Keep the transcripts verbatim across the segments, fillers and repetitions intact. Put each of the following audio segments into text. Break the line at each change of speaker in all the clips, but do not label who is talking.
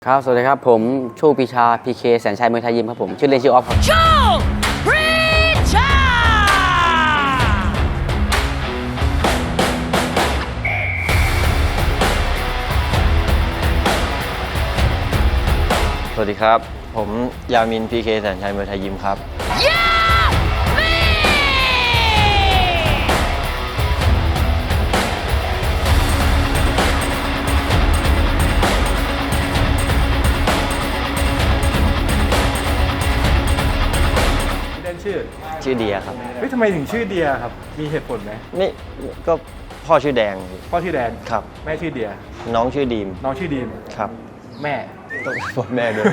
ครับสวัสดีครับผมชูปีชาพีเคแสนชัยมวยไทยยิมครับผมชื่อเล่นชื่อออฟครับชูปีชา
สวัสดีครับผมยามินพีเคแสนชัยมวยไทยยิมครับ
ชื่อ
ชื่อเดียครับ
เฮ้ยทำไมถึงชื่อเดียครับมีเหตุผลไหม
ไม่ก็พ่อชื่อแดง
พ่อชื่อแดน
ครับ
แม่ชื่อเดีย
น้องชื่อดีม
น้องชื่อดีม
ครับ
แม่
ต้องพ่อแม่ด้วย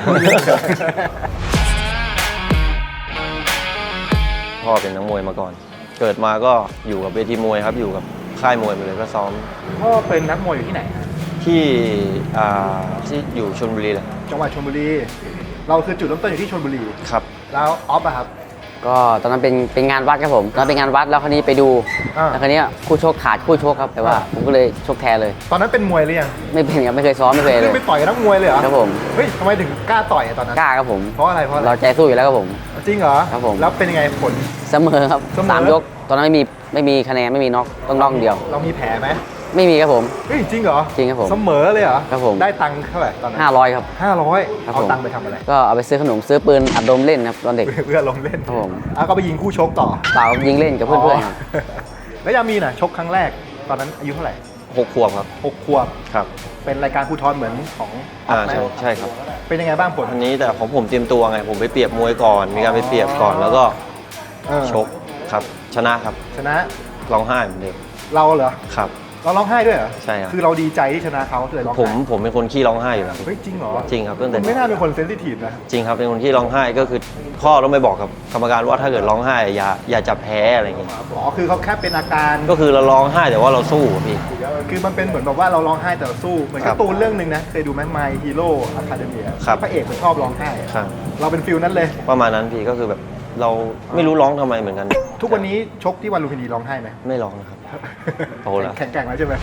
พ่อเป็นนักมวยมาก่อนเกิดมาก็อยู่กับเวทีมวยครับอยู่กับค่ายมวยไปเลยก็ซ้อม
พ่อเป็นนักมวยอยู่ที่ไหนครับ
ที่อ่าที่อยู่ชลบุรีแหละ
จังหวัดชลบุรีเราคือจุดเริ่มต้นอยู่ที่ชลบุรี
ครับ
แล้วออฟอะครับ
ก็ตอนนั้นเป็นเป็นงานวัดครับผมตอนนั้นเป็นงานวัดแล้วคราวนี้ไปดูแล้วคราวนี้คู่ชกขาดคู่ชกครับแต่ว่าผมก็เลยชกแทนเลย
ตอนนั้นเป็นมวยหรือยัง
ไม่เป็นครับไม่เคยซ้อมไม่เคยเลย
ไปต่อยกับนักมวยเลยเหรอ
ครับผม
เฮ้ยทำไมถึงกล้าต่อยตอนนั้น
กล้าครับผม
เพราะอะไรเพราะ
เราใจสู้อยู่แล้วครับผม
จริงเหรอ
ครับผม
แล้วเป็นยังไงผล
เสมอครับสามยกตอนนั้นไม่มีไม่มีคะแนนไม่มีน็อกต้องน็อกเดียว
เรามีแผลไหม
ไม่มีครับผม
เฮ้ยจริงเหรอ
จริงครับผม
เสมอเลยเหรอ
ครับผม
ได้ตังค์เท่าไหร่ตอนนั้น
ห้าร้อยครับ
ห้าร้อยเอาตังค์ไปทำอะไร
ก็เอาไปซื้อขนมซื้อปืนอัดลมเล่นครับตอนเด็ก
เพื่อลงเล่น
ครับผม
อ่ะก็ไปยิงคู่ชกต่อ
เปล่ายิงเล่นกับเพื่อนๆครับ
แล้วยามีน่ะชกครั้งแรกตอนนั้นอายุเท่าไหร่
หกขวบครับ
หกขวบ
ครับ
เป็นรายการภูทรเหมือนของ
อ่าใช่ใช่ครับ
เป็นยังไงบ้างผล
อันนี้แต่ของผมเตรียมตัวไงผมไปเปรียบมวยก่อนมีการไปเปรียบก่อนแล้วก็ชกครับชนะครับ
ชนะ
ร้องไห้เหมือนเดิม
เราเหรอ
ครับ
เราร้องไห้ด้วยเหรอ
ใช่ครับ
คือเราดีใจที่ชนะเขาเลยร้องไห้
ผมผมเป็นคนขี้ร้องไห้อยู่แล้ว
เฮ้ยจริงเหรอ
จริงครับตั้งแต่
ไม่น่าเป็นคนเซนซิทีฟนะ
จริงครับเป็นคนที่ร้องไห้ก็คือพ่อต้องไปบอกกับกรรมการว่าถ้าเกิดร้องไห้อย่าอย่าจับแพ้อะไรอย่างเงี้ย
อ๋อคือเขาแค่เป็นอาการ
ก็คือเราร้องไห้แต่ว่าเราสู้พี่
คือมันเป็นเหมือนแบบว่าเราร้องไห้แต่เราสู้เหมือนการ์ตูนเรื่องหนึ่งนะเคยดูไหม My Hero Academia พระเอกมันชอบร้องไห้เราเป็นฟิลนั้นเลย
ประมาณนั้นพี่ก็คือแบบเราไม่รู้ร้องทำไมเหมือนกัน
ทุกวันนี้ชกที่วันลุมพินีร้องไห้ไหม
ไม่ร้องนะครับโตแล้ว
แข็งแกร่งแล้วใช่ไหม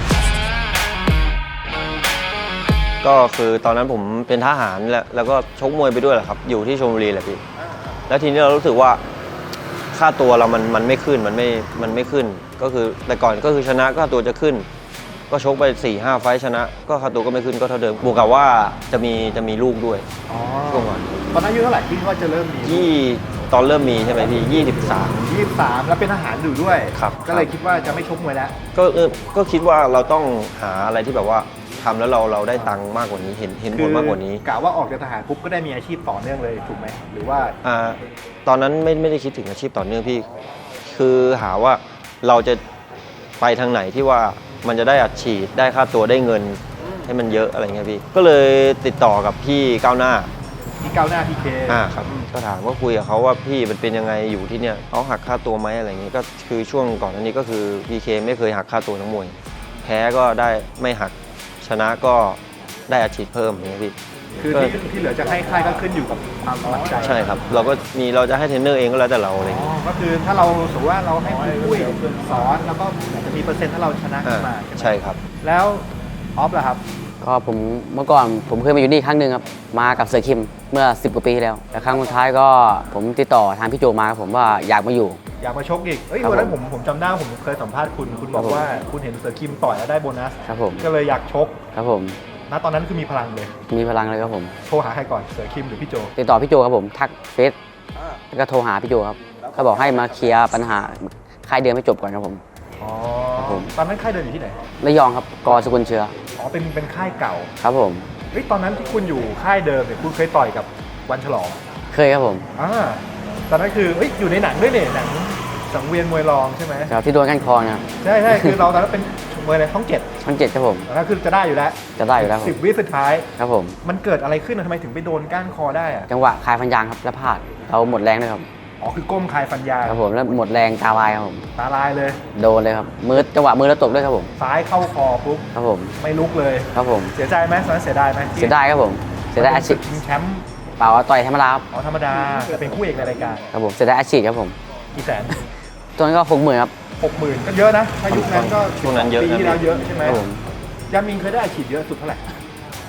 ก็คือตอนนั้นผมเป็นทหารแล้วแล้วก็ชกมวยไปด้วยแหละครับอยู่ที่ชลบุรีแหละพี่แล้วทีนี้เรารู้สึกว่าค่าตัวเรามันมันไม่ขึ้นมันไม่มันไม่ขึ้นก็คือแต่ก่อนก็คือชนะก็ค่าตัวจะขึ้นก็ชกไป สี่ห้า ไฟท์ชนะก็ค่าตัวก็ไม่ขึ้นก็เท่าเดิมบวกกับว่าจะมีจะมีลูกด้วยช่วงก่อน
ตอนนั้นอายุเท่าไหร่ที่ว่าจะเริ่มมี
ยี่ตอนเริ่มมีใช่ไหมพี่ยี่สิบสาม
ยี่สิบสามแล้วเป็นทหารอยู่ด้วย
ครับ
ก็เลยคิดว่าจะไม่ชกมวยแล้ว
ก็เออก็คิดว่าเราต้องหาอะไรที่แบบว่าทำแล้วเราเราได้ตังค์มากกว่านี้เห็นเห็นผลมากกว่านี้
กะว่าออกจากทหารปุ๊บก็ได้มีอาชีพต่อเนื่องเลยถูกไหมหรือว่า
อ่าตอนนั้นไม่ไม่ได้คิดถึงอาชีพต่อเนื่องพี่คือหาว่าเราจะไปทางไหนที่ว่ามันจะได้อัดฉีดได้ค่าตัวได้เงินให้มันเยอะอะไรเงี้ยพี่ก็เลยติดต่อกับพี่ก้าวหน้า
พี่ก้าวหน้าพีเค
อ่าครับก็ถามว่าคุยกับเขาว่าพี่มันเป็นยังไงอยู่ที่เนี่ยเขาหักค่าตัวไหมอะไรเงี้ยก็คือช่วงก่อนอันนี้ก็คือพีเคไม่เคยหักค่าตัวนักมวยแพ้ก็ได้ไม่หักชนะก็ได้อาชีพเพิ่มอย่างเงี้ยพี่
คือที่ที่เหลือจะให้ค่ายก็ขึ้นอยู่กับความสมัครใจ
ใช่ครับเราก็มีเราจะให้เทรนเนอร์เองก็แล้วแต่เราอะไรอย่างเงี้ย
ก็คือถ้าเราสมมติว่าเราให้ผู้สอนแล้วก็จะมีเปอร์เซ็นต์ถ้าเราชนะขึ้นมา
ใช่ครับ
แล้วออฟล่ะครับ
ก็ผมเมื่อก่อนผมเคยมาอยู่นี่ครั้งหนึ่งครับมากับเสือคิมเมื่อสิบกว่าปีที่แล้วแต่ครั้งสุดท้ายก็ผมติดต่อทางพี่โจมาครับผมว่าอยากมาอยู่
อยากมาชกอีกเอ้ยวันนั้นผมผมจำได้ผมเคยสัมภาษณ์คุณคุณบอกว่าคุณเห็นเสือคิมต่อยแล้วได้โบนัส
ครับผม
ก็เลยอยากชก
ครับผม
ณตอนนั้นคือมีพลังเลย
มีพลังเลยครับผม
โทรหาใครก่อนเสือคิมหรือพี่โจ
ติดต่อพี่โจครับผมทักเฟซแล้วก็โทรหาพี่โจครับเขาบอกให้มาเคลียร์ปัญหาค่ายเดิมให้จบก่อนครับผม
อ๋อตอนนั้นค่ายเดิมอยู่ที่ไหน
ระยองครับกอสกุลเชื้อ
อ๋อเป็นเป็นค่ายเก่า
ครับผม
เฮ้ยตอนนั้นที่คุณอยู่ค่ายเดิมเนี่ยคุณเคยต่อยกับวันฉลอง
เคยครับผม
อ่าตอนนั้นคือเฮ้ยอยู่ในหนังด้วยเนี่ยหนังสังเวียนมวยรองใช่ไหม
ครับที่โดนก้านคอนะ
ใช่ใช่คือเราตอนนั้นเป็นมวยในช่องเจ็ด
ช่องเจ็ดครับผม
ตอนนั้นคือจะได้อยู่แล้ว
จะได้อยู่แล้ว
สิบวิสุดท้าย
ครับผม
มันเกิดอะไรขึ้นทำไมถึงไปโดนก้านคอได้อะ
จังหวะคายฟันยางครับแล้วพลาดเราหมดแรงเลยครับ
อ๋อคือก้มคายฟันยาง
ครับผมแล้วหมดแรงตาลายครับผม
ตาลายเลย
โดนเลยครับมือจังหวะมือแล้วตกด้วยครับผม
ซ้ายเข้าคอปุ๊บ
ครับผม
ไม่ลุกเลย
ครับผม
เสียใจไหมตอนนั้นเสียดายไหม
เสียดายครับผมเสียดายอาชีพ
ชิงแชมป์
เปล่าต่อยธรรมดาครับ
อ๋อธรรมดาแต่เป็นคู่เอกในรายการ
ครับผมเสียดายอาชีพครับผม
กี่แสน
ตอนนั้นก็หกหมื่นครับ
หกหมื่นก็เยอะนะถ้ายุคนั้นก็
ช่วงนั้นเยอะ
ปีที่แล้วเยอะใช่ไหม
ครับผม
ยามินเคยได้อาชีพเยอะสุดเท่าไหร่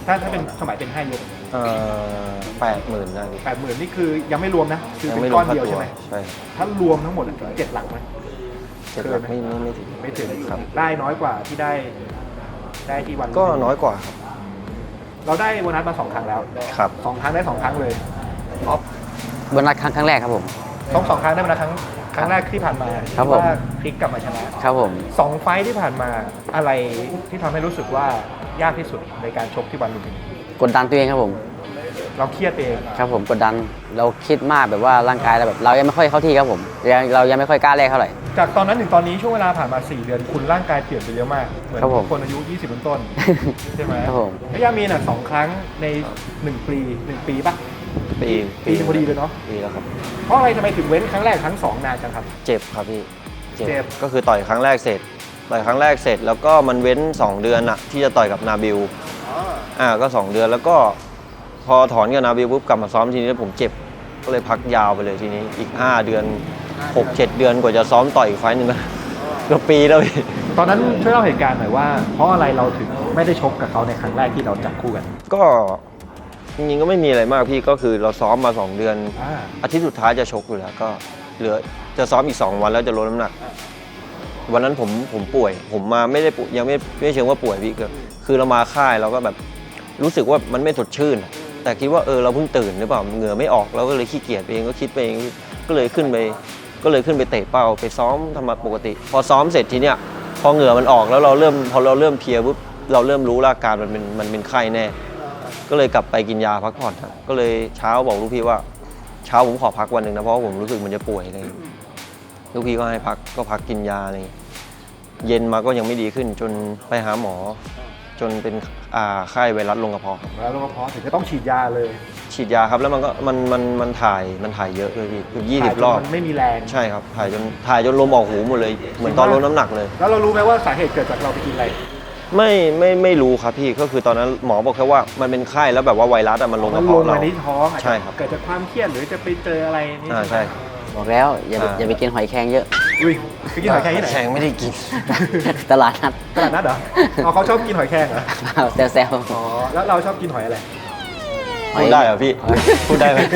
ถ้าถ้าเป็นสมัยเป็นห้ายก
เอ่อแปดหมื่นได้พี่
แปดหมื่นนี่คือยังไม่รวมนะคือ
ยัง
เป็
ไม่
น
ร
ก้
ว
อ
ม
น
ค่า
เดียว
ตั
ใช่
ว
ไหม
ใช่
ถ้ารวมทั้งหมดถึงเจ็ดหลักไหม
เจ็ดหลักไม่ไม่ไม่ถึง
ไม่ถึง
ครับ
ได้น้อยกว่าที่ได้ได้ที่วัน
ก็น้อยกว่าครับ
เราได้โบนัสมาสองครั้งแล้ว
ครับ
สองครั้งได้สองครั้งเลย
ออฟโบนัสครั้งครั้งแรกครับผม
สองสองครั้งได้โบนัสครั้งครั้งแรกที่ผ่านมา
ครับผม
ว่าพลิกกลับมาชนะครับ
ผม
สองไฟท์ที่ผ่านมาอะไรที่ทำให้รู้สึกว่ายากที่สุดในการชกที่วันลุมพินี
กดดันตัวเองครับผม
เราเครียดเอง
ครับผมกดดันเราคิดมากแบบว่าร่างกายเราแบบเรายังไม่ค่อยเข้าที่ครับผมยังเรายังไม่ค่อยกล้าแรกเท่าไหร่
จากตอนนั้นถึงตอนนี้ช่วงเวลาผ่านมาสี่เดือนคุณร่างกายเปลี่ยนไปเยอะมากเหมือน
ครับผม
คนอายุยี่สิบต้นๆใช่ไหม
ครับผม
แล้วยามีนอ่ะสองครั้งในหนึ่งปีหนึ่งปีปะ
ปี
ปีพอดีเลยเนาะ
ปีแล้วครับ
เพราะอะไรทำไมถึงเว้นครั้งแรกครั้งสองนานจังครับ
เจ็บครับพี่
เจ็บ
ก็คือต่อยครั้งแรกเสร็จ ต่อยครั้งแรกเสร็จ แล้วก็มันเว้นสองเดือนอะที่จะต่อยกับนาบิลอ่าก็สองเดือนแล้วก็พอถอนกับนาบิลปุ๊บกลับมาซ้อมทีนี้ผมเจ็บก็เลยพักยาวไปเลยทีนี้อีกห้าเดือนหกเจ็ดเดือนกว่าจะซ้อมต่อยอีกไฟต์หนึงนะเกือบปีแล้วพี่
ตอนนั้นช่วยเล่าเหตุการณ์หน่อยว่า เพราะอะไรเราถึงไม่ได้ชกกับเขาในครั้งแรกที่เราจับคู่กัน
ก็จริงๆก็ไม่มีอะไรมากพี่ก็คือเราซ้อมมาสองเดือน
อ่า
อาทิตย์สุดท้ายจะชกอยู่แล้วก็เหลือจะซ้อมอีกสองวันแล้วจะลดน้ำหนัก วันนั้นผมผมป่วย ผมมาไม่ได้ป่วยยังไม่ไม่เชิงว่าป่วยพี่คือคือเรามาค่ายเราก็แบบรู้สึกว่ามันไม่สดชื่น แต่คิดว่าเออเราเพิ่งตื่นหรือเปล่าเหงื่อไม่ออกเราก็เลยขี้เกียจไปเองก็คิดไปเองก็เลยขึ้นไปก็เลยขึ้นไปเตะเป้าไปซ้อมทำมาปกติ พอซ้อมเสร็จทีเนี้ยพอเหงื่อมันออกแล้วเราเริ่มพอเราเริ่มเพลียปุ๊บเราเริ่มรู้ว่าอาการมันเป็นมันเป็นไข้แน่ ก็เลยกลับไปกินยาพักผ่อนครับก็เลยเช้าบอกลูกพี่ว่าเช้าผมขอพักวันหนึ่งนะเพราะว่าผมรู้สึกมันจะป่วยอะไรอย่างเลยลูกพี่ก็ให้พักก็พักกินยาอะไรอย่างเลยเย็นมาก็ยังไม่ดีขึ้นจนไปหาหมอ จนเป็นอ่าไข้ไวรัสลงกระเพาะครับ
แล้วเราก็พอถึงจะต้องฉีดยาเลย
ฉีดยาครับแล้วมันก็มันมันมันถ่ายมันถ่ายเยอะเลยพี่คือยี่สิบรอบ
มันไม่มีแรง
ใช่ครับถ่ายจนถ่ายจนลมออกหูหมดเลยเหมือนตอนลดน้ำหนักเลย
แล้วเรารู้ไหมว่าสาเหตุเกิดจากเราไปกินอะไร
ไม่ไม่ไม่รู้ครับพี่ก็คือตอนนั้นหมอบอกแค่ว่ามันเป็นไข้แล้วแบบว่าไวรัสอะมันลงก
มั
ระ
นล
เพาะ
ง
เรา
มาที่ท้องอาจ
ใช่
จะ
ครับ
เกิดจากความเครียดหรือจะไปเจออะไรนี่
อ่าใช่
บอกแล้วอย่าไป
อ่า
อย่าไปกินหอยแครงเยอะ
อุ้ยไปกินหอยแครงที่ไหน
แข็งไม่ได้กิน
ตลาดนัด
ตลาดนัดเหรออ๋อเขาชอบกินหอยแครงเหรอ
แซวแซว
อ๋อแล้วเราชอบกินหอยอะไร
พูดได้เหรอพี่ พูดได้ไหม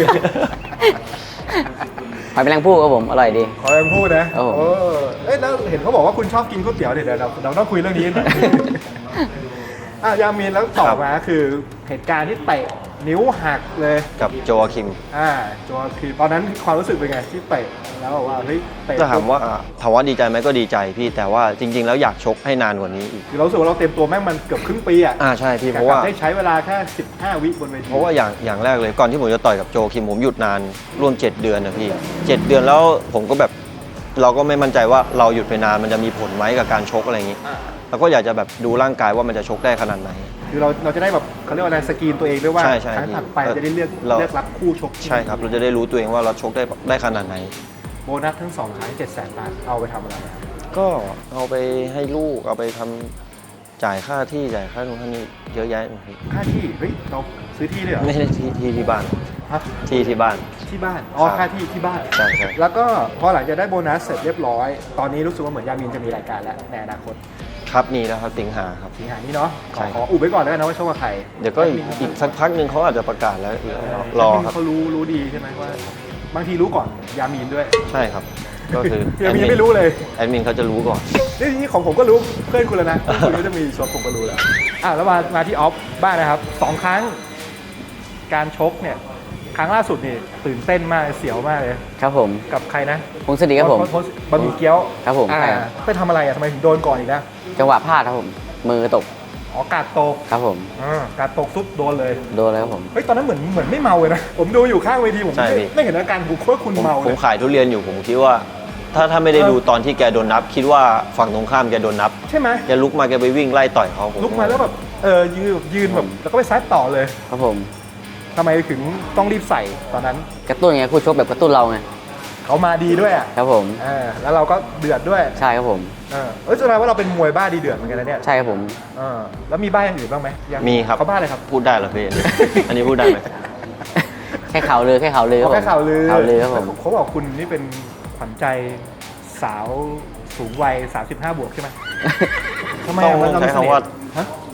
หอยแมลงภู่ครับผมอร่อยดี
ขอแรงพูดนะ
ครับผม
เออเอ้ยแล้วเห็นเขาบอกว่าคุณชอบกินก๋วยเตี๋ยวเดี๋ยวเดี๋ยวเราเราต้องคุยเรื่องนี้หน่อย อ่ะยามีนแล้วต่อมาคือเหตุการณ์ที่เตะนิ้วหักเลย
กับโจอาคิม
อ่าจอคือตอนนั้นความรู้สึกเป็นไงที่เตะแล้วบอกว่าเฮ้ยเตะ
ก็ถามว่าถามว่าดีใจไหมก็ดีใจพี่แต่ว่าจริง ๆ แล้วอยากชกให้นานกว่านี้อีก
คือเรารู้สึกว่าเราเต็มตัวแม่งมันเกือบครึ่งปีอ่ะ
อ่าใช่พี่เพราะว่า
ได้ใช้เวลาแค่สิบห้าวิบนเวที
เพราะว่าอย่างอย่างแรกเลยก่อนที่ผมจะต่อยกับโจคิมผมหยุดนานร่วมเจ็ดเดือนนะพี่เจ็ดเดือนแล้วผมก็แบบเราก็ไม่มั่นใจว่าเราหยุดไปนานมันจะมีผลไหมกับการชกอะไรอย่างนี้
อ่า
เราก็อยากจะแบบดูร่างกายว่ามันจะชกได้ขนาดไหน
คือเราเราจะได้แบบเขาเรียกว่าอะไรสกรีนตัวเองด้วยว่า
ใช่ใช่
ครั้งถัดไป
เออ
จะได้เลือก
เรา
เลือกรับคู่ชกที่
ใช่ครับเราจะได้รู้ตัวเองว่าเราชกได้ได้ขนาดไหน
โบนัสทั้งสองครั้งเจ็ดแสนบาทเอาไปทำอะไรอะ
ก็เอาไปให้ลูกเอาไปทำจ่ายค่าที่จ่ายค่าตรงท่านี้เยอะแยะพี่
ค่าที่เฮ้ยเราซื้อที่เลยเหรอ
ไม่ได้ที่ที่ที่บ้าน
ฮะ
ที่ที่บ้าน
ที่บ้านอ๋อ
ครับ
ค่าที่ที่บ้าน
ใช่ใช่
แล้วก็พอหลังจากได้โบนัสเสร็จเรียบร้อย ตอนนี้รู้สึกว่าเหมือนยามินจะมีรายการแล้วในอนาคต
ครับมีแล้วครับสิงหาครับ
สิงหานี้เนาะข
ใช่
อ
ครับ
ขออุบไว้ก่อนแล้วกันนะว่าชกกับใคร
เดี๋ยวก็อีกอีกสักพักหนึ่งเขาอาจจะประกาศแล้วรอครับ
เขารู้รู้ดีใช่ไหมว่าบางทีรู้ก่อนยามีนด้วย
ใช่ครับ ก็คือ
ยามีนไม่รู้เลย
แอดมินเขาจะรู้ก่อน
นี่นี่ของผมก็รู้เพื่อนคุณแล้วนะเพื่อนคุณก็จะมีชกผมก็รู้แล้วอ่ะแล้วมามาที่ออฟบ้างนะครับสองครั้งการชกเนี่ยครั้งล่าสุดนี่ตื่นเต้นมากเสียวมากเลย
ครับผม
กับใครนะ
พงศดีครับผม
โพสต์บะหมี่เกี๊ยว
ครับผม
อ่า
ใช่ครับ
ไปทำอะไรอ่ะทำไมถึงโดนก่อนอีกนะ
จังหวะพลาดครับผม มือตก
อ๋อกาดตก
ครับผม
อ่ากาดตกซุปโดนเลย
โดนแล้วครับผม
เฮ้ยตอนนั้นเหมือนเหมือนไม่เมาเลยนะผมดูอยู่ข้างเวทีผม
ใช่
ไม่
พี่
ไม่เห็นอาการผมว่าคุณ
ผม
เมา
ผ
เล
ม
ย
ขายทุเรียนอยู่ผมคิดว่า ถ้าถ้าไม่ได้ดูตอนที่แกโดนนับ คิดว่าฝั่งตรงข้ามแกโดนนับ
ใช่ไหม
แกลุกมาแกไปวิ่งไล่ต่อยเขาผม
ลุกมาแล้วแบบเออยืนยืนแบบแล้วก็ไปซัดต่อเลย
ครับผม
ทำไมถึงต้องรีบใส่ตอนนั้น
กระตุ้นไงคู่ชกแบบกระตุ้นเราไง
เขามาดีด้วยอ่ะ
ครับผม
เออแล้วเราก็เดือดด้วย
ใช่ครับผม
เออเออแสดงว่าเราเป็นมวยบ้าดีเดือดเหมือนกันนะเนี่ย
ใช่ครับผม
เออแล้วมีบ้าอย่างอื่นบ้างไหมยัง
มีครับ
เขาบ้าอะไรครับ
พูดได้เหรอพี่ อันนี้พูดได้ไหม
แค่ข่าวลือแค่ข่าวลือครับ
เขา
ผม
แค่ข่าวลือ
ข่าวลือครับผม
เขาบอกคุณนี่เป็นขวัญใจสาวสูงวัยสามสิบห้าบวกใช่ไหมทำไม
ต้อง
อ่ะมัน
ใช้
เสน่
คำว่า
ห์ฮะ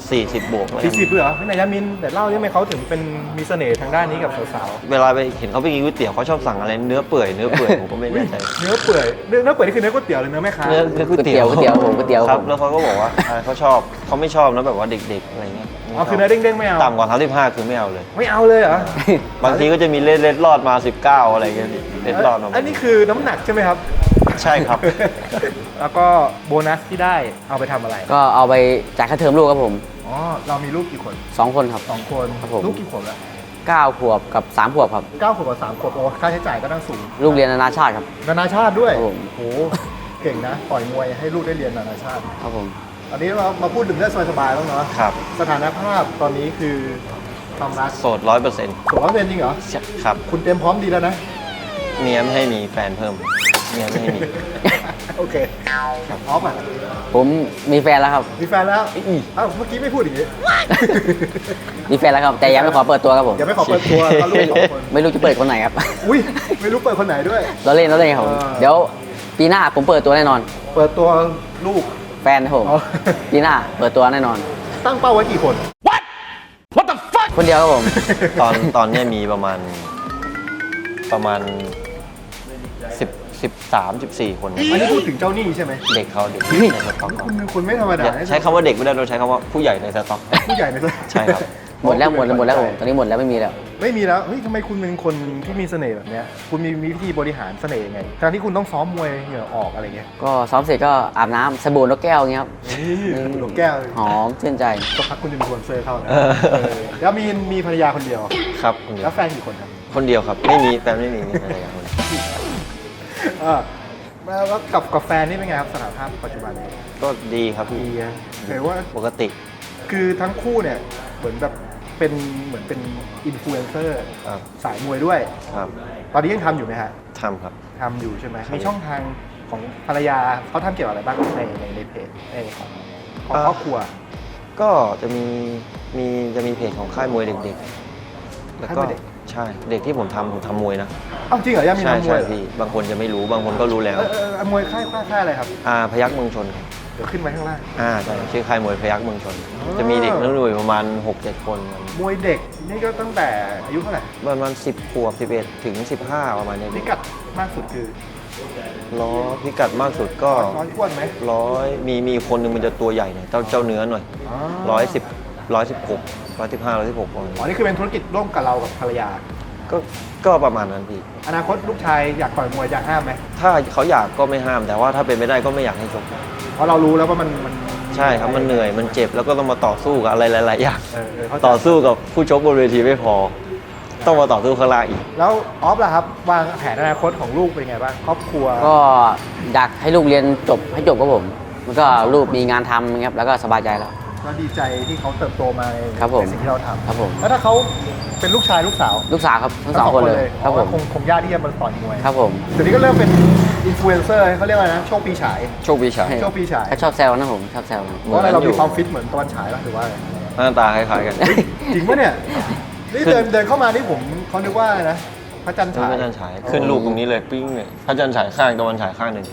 สี่สิบบวก
สี่สิบเลยเหรอพี่นายยามินแต่เล่าได้ไหมเขาถึงเป็นมีเสน่ห์ทางด้านนี้กับสาว
เวลาไปเห็นเขาไปกินก๋วยเตี๋ยวเขาชอบสั่งอะไรเนื้อเปื่อยเนื้อเปื่อยผมก็ไม่
ๆ
แน่ใจ
เนื้อเปื่อยเนื้อเนื้อเปื่อยนี่คือเนื้อก๋วยเตี๋ยวเลยเนื้อแม่ค้า
เนื้อเนื้อก๋วยเตี๋ยว
ก๋วยเตี๋ยวผมก๋วยเตี๋ยว
ครับ
ผม
แล้วเขาก็บอกว่าอ่าเขาชอบเขาไม่ชอบนะแบบว่าเด็กๆอะไรเงี้ย
อ๋อคือเนื้อเด้งๆไม่เอา
ต่ำกว่าสามสิบห้าคือไม่เอาเลย
ไม่เอาเลยเหรอบ
างทีก็จะมีเล็ดเล็ดรอดมาสิบเก้าอะไรเงี้ยเล็ดรอดมา
อันนี้คือน้ำหนักใช่ไหมครับ
ใช่ครับ
แล้วก็โบนัสที่ได้เอาไปทำอะไร
ก็เอาไปจ่ายค่าเทอมลูกครับผม
อ๋อเรามีลูกกี่คน
สองคนครับ
สองคน
ครับผม
ลูกกี่ขวบแล้ว
เก้าขวบกับสามขวบครับ
เก้าขวบกับสามขวบโอ้ค่าใช้จ่ายก็ต้องสูง
ลูกเรียนนานาชาติครับ
นานาชาติด้วย
ครับผม
โอ้โหเก่งนะปล่อยมวยให้ลูกได้เรียนนานาชาติ
ครับผม
อันนี้เรามาพูดถึงเรื่องสบายๆแล้วเนาะ
ครับ
สถานภาพตอนนี้คือความรัก
โสดร้อยเปอร์เซ็นต์
สมรสเป็นจริงเหรอ
ครับ
คุณเตรียมพร้อมดีแล้วนะ
เมียไม่ให้มีแฟนเพิ่มเมียไม่ให้มี
โอเคออฟอ่ะ
ผมมีแฟนแล้วครับ
มีแฟนแล้วอ้าวเมื่อกี้ไม่พูดอย่างนี้
มีแฟนแล้วครับ แต่ยังไม่ขอเปิดตัวครับผม
อย่าไม่ขอเปิดตัวก็ลูกสองคน
ไม่รู้จะเปิดคนไหนครับ
อุ้ยไม่รู้เปิดคนไหนด้วย
เราเล่นเราเล่นครับผม
เออ
เดี๋ยวปีหน้าผมเปิดตัวแน่นอน
เปิดตัวลูก
แฟนครับผม
อ๋อ
ปีหน้าเปิดตัวแน่นอน
ตั้งเป้าไว้กี่คน
คนเดียวครับผม
ตอนตอนเนี้ยมีประมาณประมาณสิบสิบสามสิบสี่คน
อันนี้พูดถึงเจ้าหนี้ใช่ไหม
เด็กเขาเด็ก
เฮ้ย
ในสต็อกเขา
คุณคุณไม่ธรรมดา
อย่าใช้คำว่าเด็กไม่ได้เราใช้คำว่าผู้ใหญ่ในสต็อก
ผู้ใหญ่ในตัว
ใช่ครับ
หมดแล้วหมดแล้วหมดแล้วผมตอนนี้หมดแล้วไม่มีแล้ว
ไม่มีแล้วเฮ้ยทำไมคุณเป็นคนที่มีเสน่ห์แบบเนี้ยคุณมีมีวิธีบริหารเสน่ห์ยังไงการที่คุณต้องซ้อมมวยเหงื่อออกอะไรเงี้ย
ก็ซ้อมเสร็จก็อาบน้ำสบู่นกแก้วอย่างเงี้ยครับ
หลงแก้ว
หอมชื่นใจ
ก็พักคุณจะมีคนเซอร์เข้านะ
เออ
เออแล้วมีมีภรรยาคนเดียว
ครับคนเดีย
แล้ว วแฟนกี่คนครับ
คนเดียวครับ ไม่มีแฟนไม่มีมีอะไรอย่างคน
เออแล้วกับกับแฟนนี่เป็นไงครับสถานภาพปัจจุบันเนี่ย
ก็ดีครับพี่
ดีอะเห็นว่า
ปกติ
คือทั้งคู่เนี่ยเหมือนแบบเป็นเหมือนเป็นอินฟลูเอนเซอร์
ครับ
สายมวยด้วย
ครับ
ตอนนี้ยังทำอยู่ไหมฮะ
ทำครับ
ทำอยู่ใช่ไหม
ครับ
มีช่องทางของภรรยาเขาทำเกี่ยวกับอะไรบ้างในในในเพจในของของ
อ่า
ครอบครัว
ก็จะมีมีจะมีเพจของค่ายมวยเด็กๆ แล้วก็
ค่ายมวยเด็ก
ใช่เด็กที่ผมทำผมทำมวยนะ
อ้าวจริงเหรอยังมี
ใช่
ทำมว
ใช่
ย
พี่บางคนจะไม่รู้บางคนก็รู้แล้ว
เออเออเออมวยค่ายค่ายค่ายอะไรครับ
อ่าพยักเมืองชนครับ
เดี๋ยวขึ้นไว้ข้างล่าง
อ่าใช่ชื่อค่ายมวยพยักเมืองชน
อ๋อ
จะมีเด็กนักมวยประมาณหกเจ็ดคน
มวยเด็กนี่ก็ตั้งแต่อายุเท่าไหร่
ประมาณสิบขวบสิบเอ็ดถึงสิบห้าประมาณเนี้ย
พิกัดมากสุดคือ
ล้อพิกัดมากสุดก็
ร้อยอ้วนไหม
ร้อยมีมีคนหนึ่งมันจะตัวใหญ่หน่อยเจ้าเจ้าเนื้อหน่อย
อ๋อ
ร้อยสิบร้อยสิบหกร้อยสิบห้าร้อยสิบหกประมาณ
อ๋อ
นี้
นี่คือเป็นธุรกิจร่วมกับเรากับภรรยา
ก็ก็ประมาณนั้นพี่
อนาคตลูกชายอยากต่อยมวยอยากห้ามไหม
ถ้าเขาอยากก็ไม่ห้าม แต่ว่าถ้าเป็นไม่ได้ก็ไม่อยากให้ชก
เพราะเรารู้แล้วว่ามันมัน
ใช่ครับมันเหนื่อยมันเจ็บแล้วก็ต้องมาต่อสู้กับอะไรหลายๆอย่าง
เออเออเข้าใจ
ต่อสู้กับผู้ชกบนเวทีไม่พอ ต้องมาต่อสู้ข้างล่างอีก
แล้วออฟล่ะครับวางแผนอนาคตของลูกเป็นไงบ้างครอบครัว
ก็อยากให้ลูกเรียนจบให้จบครับผมแล้วก็ลูกมีงานทำครับแล้วก็สบายใจแล้ว
ก็ดีใจที่เขาเติบโตมาใน
ครับผม
ในสิ่งที่เราทำ
ครับผม
แล้วถ้าเขาเป็นลูกชายลูกสาว
ลูกสาวครับทั้งสองคนเลยครับผม
คงคงยากที่จะมาต่อยมวย
ครับผม
เดี๋ยวนี้ก็เริ่มเป็นอินฟลูเอนเซอร์เขาเรียกว่าอะไรนะโชคปีฉาย
โชควิชา
โชคปีฉาย
ก็ชอบแซวนะผมชอบแซว
เพราะอะไรเรามีความฟิตเหมือนตะวันฉายป่ะหรือว่าอะไร
หน้าตาคล้ายๆกัน
จริงปะเนี่ยนี่เดินเดินเข้ามานี่ผมเขานึกว่าอะไรนะพระจันทร์
พ
ฉาย
ระจันทร์ฉายขึ้นรูปตรงนี้เลยปิ้งเลยพระจันทร์ฉายข้างตะวันฉายข้างหนึ่ง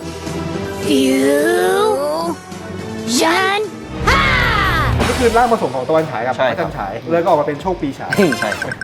ฉันฮ่า
ก็คือร่างผสมของตะวันฉายกับ
ใช่
พระจันทร์
ครับ
ฉายเลยก็ออกมาเป็นโชคปีฉาย
ใช่ครับ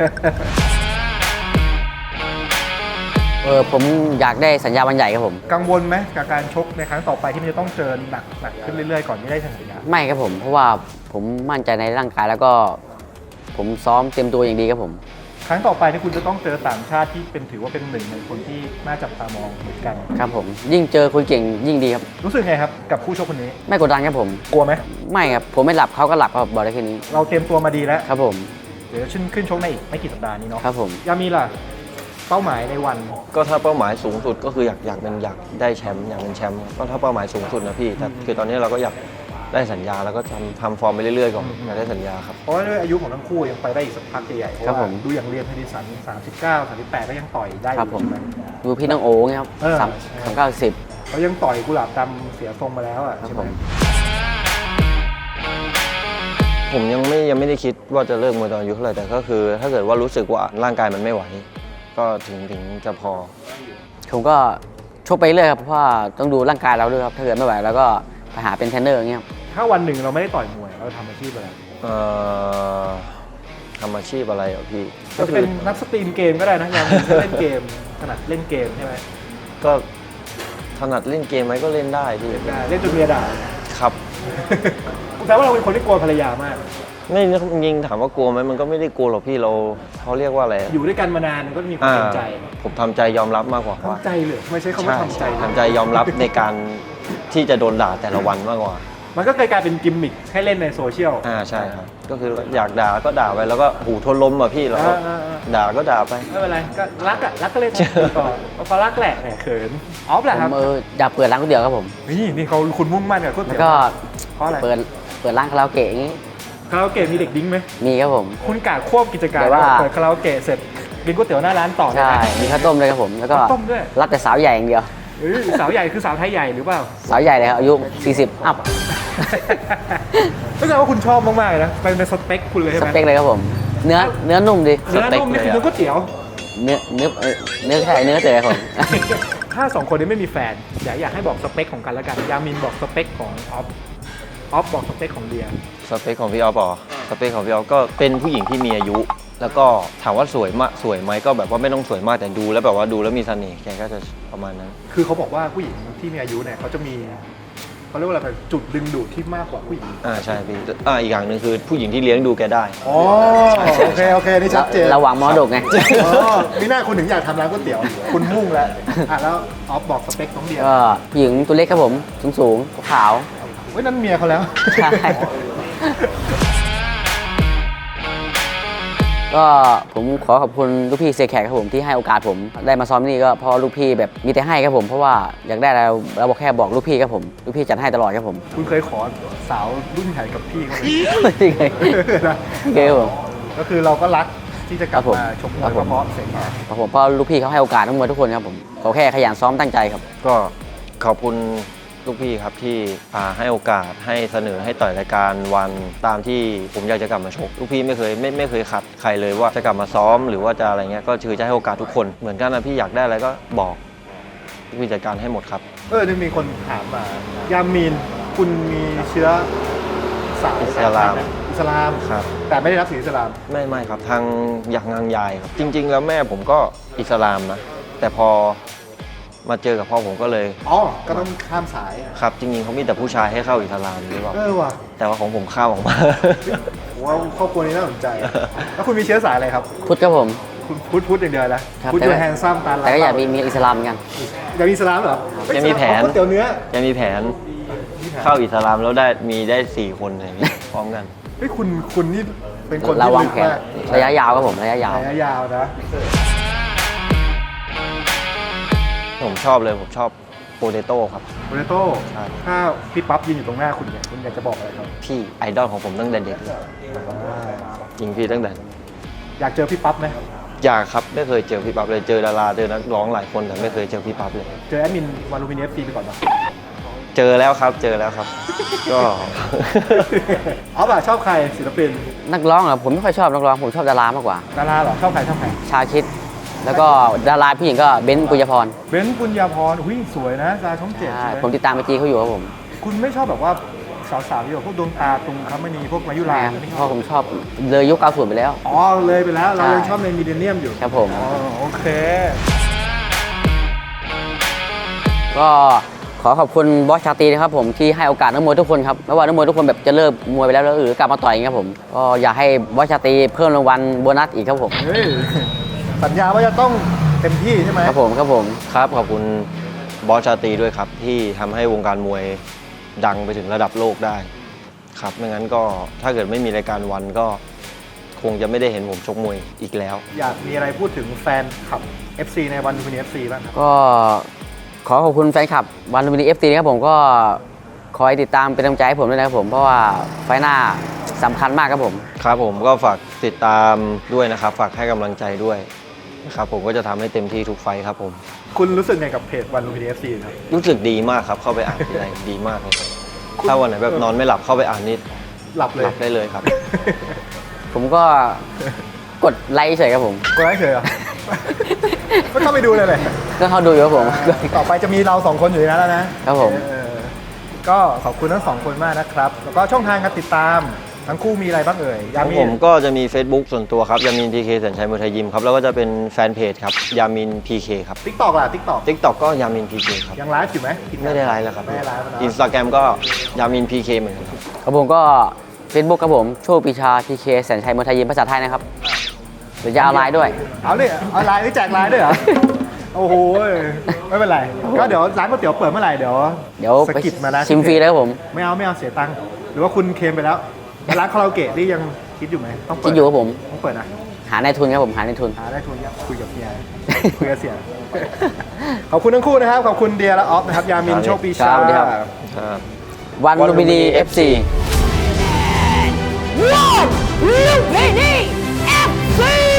เออผมอยากได้สัญญาวันใหญ่ครับผม
กังวลไหมกับการชกในครั้งต่อไปที่มันจะต้องเจอหนักหนักขึ้นเรื่อยๆก่อนที่ได้สัญญา
ไม่ครับผมเพราะว่าผมมั่นใจในร่างกายแล้วก็ ผมซ้อมเต็มตัวอย่างดีครับผม
ครั้งต่อไปที่คุณจะต้องเจอต่างชาติที่เป็นถือว่าเป็นหนึ่งในคนที่น่าจับตามองเหมือนกัน
ครับผมยิ่งเจอคนเก่งยิ่งดีครับ
รู้สึกไงครับกับคู่ชกคนนี้
ไม่กดดันครับผม
กลัวไหม
ไม่ครับผมไม่หลับเขาก็หลับครับบอกได้แค่นี้
เราเตรียมตัวมาดีแล้ว
ครับผม
เดี๋ยวขึ้นขึ้นชกในอีกไม่กี่สัปดาห์นี้เนาะ
ครับผม
ยามีล่ะเป้าหมายในวัน
ก็ถ้าเป้าหมายสูงสุดก็คืออยากอยากเป็นอยากได้แชมป์อยากเป็นแชมป์ก็ถ้าเป้าหมายสูงสุดนะพี่แต่คือตอนนี้เราก็อยากได้สัญญาแล้วก็ทำทำฟอร์มไปเรื่อยๆก่อนอยากได้สัญญาครับ
เพราะว่าด้วยอายุของทั้งคู่ยังไปได้อีกสักพักใหญ่ๆเพราะ
ครับ
ว่า
ผม
ดูอย่างเรียนพดิสันสามสิบเก้า สามสิบแปดก็ยังต่อยได้อ
ครับ
ยู่
ผม
ใช่ไหม
ดูพี่น้องโอ๋ไงครับ
เออ
สามสามเก้าสิบ
เขายังต่อยกุหลาบดำเสียทรงมาแล้วอ่ะ
ครับ
ใช่
ผ
ไหม
ม
ผมยังไม่ยังไม่ได้คิดว่าจะเลิกมวยตอนอายุเท่าไหร่แต่ก็คือ ถ้าเกิดว่ารู้สึกว่าร่างกายมันไม่ไหว ก็ถึงถึงจะพอ
ผมก็ชกไปเรื่อยครับเพราะว่าต้องดูร่างกายเราด้วยครับถ้าเกิดไม่ไหวแล้วก็ไปหาเป็นเทรนเนอร์อย่างเงี้ยครับ
ถ้าวันหนึ่งเราไม่ได้ต่อยมวยเราทำอาชีพอะไร
เอ่อทำอาชีพอะไรเหรอพี่
จะเป็นนักสตรีมเกมก็ได้นะยังจะเล่นเกมถนัดเล่นเกมใช่ไหม
ก็ถนัดเล่นเกมไหมก็เล่นได้พี่
ได้เล่นจนเมียด่า
ครับ
แต่ว่าเราเป็นคนที่กลัวภรรยามาก
ไม่ยิงถามว่ากลัวไหมมันก็ไม่ได้กลัวหรอกพี่เราเขาเรียกว่าอะไร
อยู่ด้วยกันมานานมันก็มีความ
อ่า
เกรงใจ
ผมทำใจยอมรับมากกว่าว่า
ทำใจเลยไม่ใช่คำว่า
ใช่
ทำใจ
ทำใจยอมรับในการที่จะโดนด่าแต่ละวันมากกว่า
มันก็เคยกลายเป็นกิมมิคให้เล่นในโซเชียล
อ่าใช่ครับก็คืออยากด่าก็ด่าไปแล้วก็หูทนล้มอ่ะพี่แล้วก็
อ่าอ่า
ด่าก็ด่าไป
ไม่เป็นไรก็รักอะรักก็เล่นต่อพอรักแหละแหมเขินออฟแหละ
ผ
ครับ
มเอออยากเปิดร้านก๋วยเตี๋ยวครับผม
นี่นี่เขาคุณมุ่งมั่นกับก๋วย
แล้
เตี๋
ว
ยว
ก็
เพราะอะไร
เปิดเปิดร้านคาราโอเกะอย่างงี้
คาราโอเกะมีเด็กดิ้งไหม
มีครับผม
คุณกะควบกิจการ
แต่ว่า
เปิดคาราโอเกะเสร็จกินก๋วยเตี๋ยวหน้าร้านต่อ
ใช่
ได้ไหม
มีข้าวต้มด้วยครับผม แล้วก็
ข้าวต้มด้วย
รับแต่สาวใหญ่อย่างเดียว
เอ้ยสาวใหญ่คือสาวไทยใหญ่หรือเปล่า
สาวใหญ่เลยครับอายุ สี่สิบ อัพ
ก็แสดงว่าคุณชอบมากๆเลยนะเป็นในสเปคคุณเลยใช่
ส
ไหม
เปคเลยครับผม เนื้อเนื้อนุ่มดิ
เนื้อนุ่มนี่คือเนื้อก๋วยเตี๋ยว
เนื้อเนื้อเอ่อเนื้อแค่เนื้อเต๋อครับผม
ถ้าสองคนนี้ไม่มีแฟนอยากอยากให้บอกสเปคของกันแล้วกันยามินบอกสเปคของออฟออฟบอกสเปคของเดีย
สเปคของพี่ออฟเหรอสเปคของพี่ออฟก็เป็นผู้หญิงที่มีอายุ แล้วก็ถามว่าสวยมากสวยไหมก็แบบว่าไม่ต้องสวยมากแต่ดูแล้วแบบว่าดูแล้วมีเสน่ห์แกก็จะประมาณนั้น
คือเขาบอกว่าผู้หญิงที่มีอายุเนี่ยเขาจะมีเขาเรียกว่าอะไรจุดดึงดูดที่มากกว่าผู้หญิง
อ่าใช่พี่อ่าอีกอย่างหนึ่งคือผู้หญิงที่เลี้ยงดูแกได้
อ๋อโอเคโอเคนี่ชัดเจน
ระหว่างมอดกไง
อ๋อนี่หน้าคุณถึงอยากทำร้านก๋วยเตี๋ยวคุณมุ่งแล้วอ่ะแล้วออฟบอกสเปคน้องเดีย
ก็ผู้หญิงตัวเล็กครับผม สูงสูงๆขาว
เว้ยนั่นเมียเขาแล้ว
ๆใช่ ก็ผมขอขอบคุณลูกพี่เซแขกครับผมที่ให้โอกาสผมได้มาซ้อมที่นี่ก็เพราะลูกพี่แบบมีแต่ให้ครับผมเพราะว่าอยากได้อะไรเราบอกแค่บอกลูกพี่ครับผมลูกพี่จัดให้ตลอดครับผม
คุณเคยขอสาวรุ่นใหญ่กับพี่เขาไหม
จริงเลย
นะ
โอเคครับผม
ก็คือเราก็รักที่จะกลับ
ครับผม
มาชกมวย
ครับผม
เพราะเสียงแขก
ครับผมเพราะลูกพี่เขาให้โอกาสนักมวยทุกคนครับผมเขาแค่ขยันซ้อมตั้งใจครับ
ก็ขอบคุณลูกพี่ครับที่อ่าให้โอกาสให้เสนอให้ต่อยรายการวันตามที่ผมอยากจะกลับมาชกลูกพี่ไม่เคยไม่ไม่เคยขัดใครเลยว่าจะกลับมาซ้อมหรือว่าจะอะไรเงี้ยก็คือจะให้โอกาสทุกคนเหมือนกันนะพี่อยากได้อะไรก็บอกลูกพี่จัดการให้หมดครับ
เออนี่มีคนถามมายามีนคุณมีเชื้อสาย
อิสลาม
อิสลาม
ครับ
แต่ไม่ได้รับศีลอิสลาม
ไม่ไม่ครับทางอยากงางยายครับจริง ๆ แล้วแม่ผมก็อิสลามนะแต่พอมาเจอกับพ่อผมก็เลย
อ๋อ ก็ต้องข้ามสาย
ครับจริงๆเขามีแต่ผู้ชายให้เข้าอิสลามหรือเปล่า
เออว่ะ
แต่ว่าของผมข้ามออกมา
ผมว่าครอบครัวนี้น่าสนใจ แล้วคุณมีเชื้อสายอะไรครับ
พุทธครับผม
คุณพุทธพุทธอย่างเดียวนะครับ พุทธ
แต่
ยู
ว่า
แฮนซัมตาลา
แต่ก็อยากมีมีอิสลามเหมือนกัน
อยากมีอิสลามเหรอ
ยังมีแผน
ก๋วยเตี๋ยวเนื้อ
ยังมีแผนเข้าอิสลามแล้วได้มีได้สี่คนเลยพี่พร้อมกัน
เฮ้ยคุณคุณนี่เป็นคน
เรา
ที่
วาง
ลึก
แผน
มาก
ระยะยาวครับผมระยะยาว
ระยะยาวนะ
ผมชอบเลยผมชอบโปเตโต้ครับ
โปเตโต้
ใช่
ถ้าพี่ปั๊บยืนอยู่ตรงหน้าคุณเนี่ยคุณอยากจะบอกอะไรครับ
พี่ไอดอลของผมตั้งแต่เด็กเลยจริงพี่ตั้งแต่
อยากเจอพี่ปั๊บไหม
อยากครับไม่เคยเจอพี่ปั๊บเลยเจอดาราเจอนักร้องหลายคนแต่ไม่เคยเจอพี่ปั๊บเลย
เจอแอดมินวาลูมิเนียฟซีไปก่อนปะ
เจอแล้วครับเจอแล้วครับ ก็
อ๋อป่ะชอบใครศิลปิน
นักร้องเหรอผมไม่ค่อยชอบนักร้องผมชอบดารามากกว่า
ดาราเหรอชอบใครชอบใคร
ชาคิด แล้วก็ดาราผู้หญิงก็เบนซ์ปุญญพร
เบนซ์ปุญญาพรอุ้ยสวยนะดาราช่องเจ็ด
ใช่
ใช่ไหม
ผมติดตามไอจีเขาอยู่ครับผม
คุณไม่ชอบแบบว่าสาวๆที่แบบพวกดวงตาตุงคำมณีพวกมายุรา
นะ
ไม่
เพ
ชอบ
ราะผมชอบเลยยุคเก้าสิบไปแล้ว
อ๋อเลยไปแล้วเรา
ใช่
ยังชอบในมีเดเนียมอยู่
ครับผม
อ๋อโอเค
ก็ขอขอบคุณบอสชาตรีนะครับผมที่ให้โอกาสนักมวยทุกคนครับไม่ว่านักมวยทุกคนแบบจะเลิกมวยไปแล้วหรือกลับมาต่อยอย่างเงี้ยครับผมก็อยากให้บอสชาตรีเพิ่มรางวัลโบนัสอีกครับผม
เฮ้ยสัญญาว่าจะต้องเต็มที่ใช่ไหม
ครับผมครับผม
ครับขอบคุณบอสชาตรีด้วยครับ ที่ทำให้วงการมวยดังไปถึงระดับโลกได้ครับไม่งั้นก็ถ้าเกิดไม่มีรายการวันก็คงจะไม่ได้เห็นผมชกมวยอีกแล้ว
อยากมีอะไรพูดถึงแฟนคลับ เอฟ ซี ในวันลูมิเนียฟซีบ้างครับ
ก็ขอขอบคุณแฟนคลับวันลูมินีเอฟซีนะครับผมก็คอยติดตามเป็นกำลังใจให้ผมด้วยนะครับผมเพราะว่าไฟล์หน้าสำคัญมากครับผม
ครับผมก็ฝากติดตามด้วยนะครับฝากให้กำลังใจด้วยนะครับผมก็จะทำให้เต็มที่ทุกไฟท์ครับผม
คุณรู้สึกไงกับเพจวันลูมิเนียฟซีครับ
รู้สึกดีมากครับเข้าไปอ่านทีไรดีมากเลยครับถ้าวันไหนแบบนอนไม่หลับเข้าไปอ่านนี่
หลับเล
ห
ย
ลับได้เลยครับ
ผมก็กดไลค์เฉยครับผม
กดไลค์เฉยเหรอ ไม่เข้าไปดูเลยเลย
ก็เขาดูอยู่ครับผม
ต่อไปจะมีเราสองคนอยู่ในนั้นแล้วนะครับ
ผม
เออก็ขอบคุณทั้งสองคนมากนะครับ แล้วก็ช่องทางการติดตามสทั้งคู่มีอะไรบ้างเอ่ย
ข
ยา
อง
มี
ผมก็จะมี Facebook ส่วนตัวครับยามิน พี เค แสนชัยมวยไทยยิมครับแล้วก็จะเป็นแฟนเพจครับยามิน พี เค ครับ
ทิกตอกล่ะทิกตอก
TikTok ก็ยามิน พี เค ครับ
ยังไลฟ์อยู่ไหม
ไม่ได้ไลฟ์แล้วครับ
ไม่ได้ไลฟ์แล้ว
อิน
เนาะ
สตาแกรมก็ยามิน พี เค เหมือนกันครับ
ครับผมก็ Facebook ครับผมโชคปีชา พี เค แสนชัยมวยไทยยิมภาษาไทยนะครับเดี๋ยวจะเอาไลน์ด้วย
เอาเลยเอาไลน์นี่แจกไลน์ด้วยเหรอ โอ้โหไม่เป็นไร ก็เดี๋ยวร้านก๋วยเตี๋ยวเปิดเมื่อไหร่เดี๋ยว
เดี๋ยว
สะกิดมานะ
ชิมฟรีเลยครับผม
ไม่เอาไม่เอาเสียตังค์หรือว่าคุณเคลมไปแล้วร้านคาราโอเกะนี่ยังคิดอยู่ไหมต้องเปิด
คิดอยู่ครับผม
ต้องเปิดนะ
หาในทุนครับผมหาในทุน
หาได้ทุนยังคุยกับเฮีย คุยกับเสีย ขอบคุณทั้งคู่นะครับ ขอบคุณเดียและออฟนะครับ ยามิน
ครับ
โชคปี
ครั
ชา
บสวัสดีครับ
ครับ
วันลุมพินี เอฟ ซี
One, Lumpini F C.